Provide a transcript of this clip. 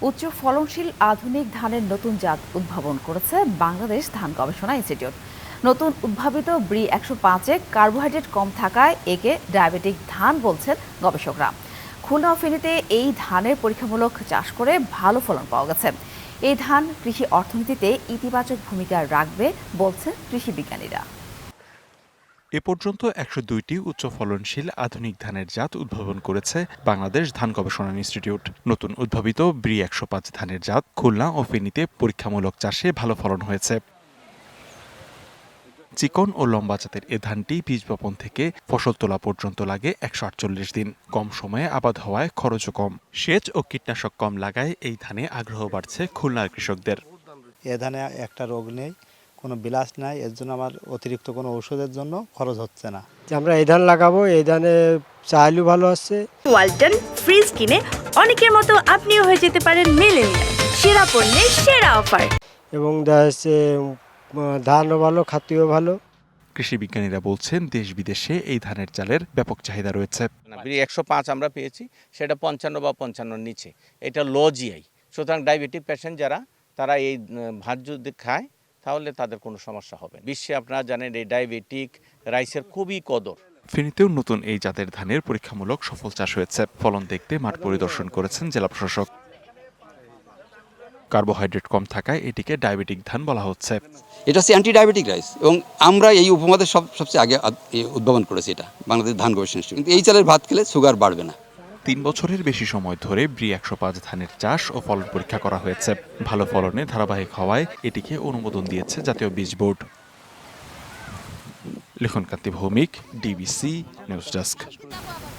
উচ্চ ফলনশীল আধুনিক ধানের নতুন জাত উদ্ভাবন করেছে বাংলাদেশ ধান গবেষণা ইনস্টিটিউট। নতুন উদ্ভাবিত ব্রি ১০৫-এ কার্বোহাইড্রেট কম থাকায় একে ডায়াবেটিক ধান বলছেন গবেষকরা। খুলনা ও ফেনীতে এই ধানের পরীক্ষামূলক চাষ করে ভালো ফলন পাওয়া গেছে। এই ধান কৃষি অর্থনীতিতে ইতিবাচক ভূমিকা রাখবে বলছেন কৃষি বিজ্ঞানীরা। এ পর্যন্ত ১০২টি উচ্চ ফলনশীল আধুনিক ধানের জাত উদ্ভাবন করেছে বাংলাদেশ ধান গবেষণা ইনস্টিটিউট। নতুন উদ্ভাবিত ব্রি ১০৫ ধানের জাত খুলনা ও ফেনীতে পরীক্ষামূলক চাষে ভালো ফলন হয়েছে। চিকন ও লম্বা জাতের এ ধানটি বীজ বপন থেকে ফসল তোলা পর্যন্ত লাগে ১৪৮ দিন। কম সময়ে আবাদ হওয়ায় খরচও কম। সেচ ও কীটনাশক কম লাগায় এই ধানে আগ্রহ বাড়ছে খুলনার কৃষকদের। এ ধানে একটা রোগ নেই, কোনো বিলাস নাই, এর জন্য আমার অতিরিক্ত কোনো ওষুধের জন্য খরচ হচ্ছে না। আমরা এই ধান লাগাবো, এই ধানে চাইলেও ভালো আছে। ওয়ালটন ফ্রিজ কিনে অনেকের মতো আপনিও হয়ে যেতে পারেন মিলেনিয়াল সেরা পণ্যের সেরা অফার। এবং দেখা যাচ্ছে ধানও ভালো, খাদ্যও ভালো। কৃষি বিজ্ঞানীরা বলছেন দেশ বিদেশে এই ধানের চালের ব্যাপক চাহিদা রয়েছে। ব্রি ১০৫ আমরা পেয়েছি, সেটা ৫৫ বা ৫৫-র নিচে। এটা লো জিআই, সুতরাং ডায়াবেটিক পেশেন্ট যারা তারা এই ভাত যদি খায় তাহলে তাদের কোনো সমস্যা হবে। বিশ্বে আপনারা জানেন এই ডায়াবেটিক রাইসের খুবই কদর। ফেনীতেও নতুন এই জাতের ধানের পরীক্ষামূলক সফল চাষ হয়েছে। ফলন দেখতে মাঠ পরিদর্শন করেছেন জেলা প্রশাসক। কার্বোহাইড্রেট কম থাকায় এটিকে ডায়াবেটিক ধান বলা হচ্ছে। এটা হচ্ছে অ্যান্টি ডায়াবেটিক রাইস এবং আমরা এই উপমহাদেশ সবচেয়ে আগে উদ্ভাবন করেছি এটা বাংলাদেশ ধান গবেষণা ইনস্টিটিউট। কিন্তু এই চালের ভাত খেলে সুগার বাড়বে না। ৩ বছরের বেশি সময় ধরে ব্রি ১০৫ ধানের চাষ ও ফলন পরীক্ষা করা হয়েছে। ভালো ফলনে ধারাবাহিক হওয়ায় এটিকে অনুমোদন দিয়েছে জাতীয় বীজ board. Likhankanti Bhowmik, DBC news desk.